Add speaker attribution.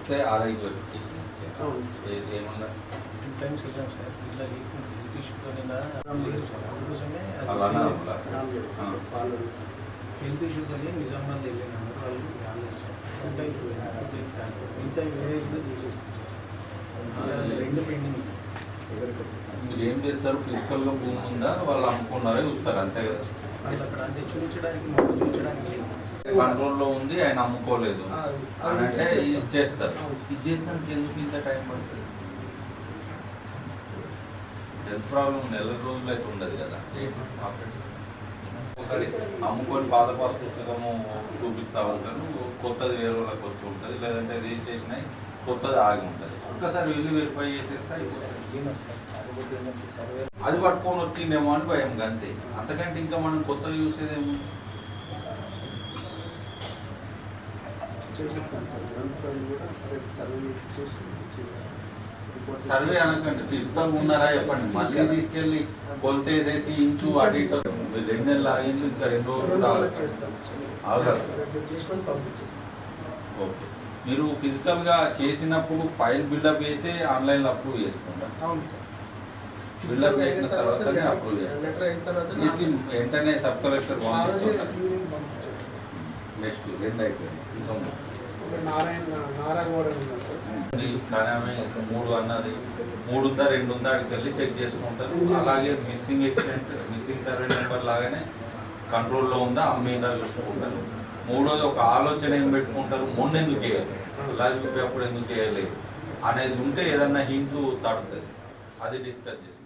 Speaker 1: వస్తే ఆర్ఐకి ఏమన్నా
Speaker 2: 2 times వెళ్ళాం సార్. ఇలా లేకుండా హెల్త్ ఇష్యూతో లేదు సార్. అందుకోసమే హెల్త్ ఇష్యూతో నిజామాబాద్ వెళ్ళినారు వాళ్ళు రాలేదు సార్. 2 times ఇంకా వేరే చేసేసుకుంటారు. 2 పెండింగ్.
Speaker 1: మీరు ఏం చేస్తారు? ఫిజికల్గా భూమి ఉందా వాళ్ళు అమ్ముకున్నారే చూస్తారు అంతే కదా.
Speaker 2: వాళ్ళు అక్కడ అంటే చూపించడానికి
Speaker 1: కంట్రోల్లో ఉంది, ఆయన అమ్ముకోలేదు అని అంటే ఇచ్చేస్తారు. ఇచ్చేస్తానికి ఎందుకు ఇంత టైం పడుతుంది? హెల్త్ ప్రాబ్లం నెల రోజులు అయితే ఉండదు కదా. ఒకసారి అమ్ముకొని పాత పాస్ పుస్తకము చూపిస్తూ ఉంటారు, కొత్తది వేరే వాళ్ళకి వచ్చి ఉంటుంది, లేదంటే రిజిస్ట్రేషన్ అయ్యి కొత్తది ఆగి ఉంటుంది. ఒక్కసారి వెళ్ళి వెరిఫై చేసేస్తా అది పట్టుకొని వచ్చిందేమో అని భయం అంతే. అంతకంటే ఇంకా మనం కొత్తగా చూసేదేమో. సర్వే అనకండి, ఫిజికల్ ఉన్నారా చెప్పండి. మళ్ళీ తీసుకెళ్ళి కొలతేసేసి ఇంచు అటు ఇటు 2 నెలలు ఆగించు, ఇంకా 2 రోజులు ఆగదు. ఓకే, మీరు ఫిజికల్గా చేసినప్పుడు ఫైల్ బిల్డప్ చేసి ఆన్లైన్లో అప్రూవ్ చేసుకుంటారు. బిల్డప్ చేసిన తర్వాతనే అప్రూవ్ చేసి వెంటనే సబ్ కలెక్టర్ నెక్స్ట్ 2 అయిపోయింది. కానీ 3 అన్నది 3 ఉందా 2 ఉందా అక్కడికి వెళ్ళి చెక్ చేసుకుంటారు. అలాగే missing accident missing survey number లాగానే కంట్రోల్లో ఉందా అమ్మిందా చూసుకుంటారు. 3వది ఒక ఆలోచన ఏం పెట్టుకుంటారు, మొన్న ఎందుకు వేయాలి, ఇలా చూపి అప్పుడు ఎందుకు వేయలేదు అనేది ఉంటే ఏదన్నా హింట్ తడుతుంది, అది డిస్కస్ చేస్తారు.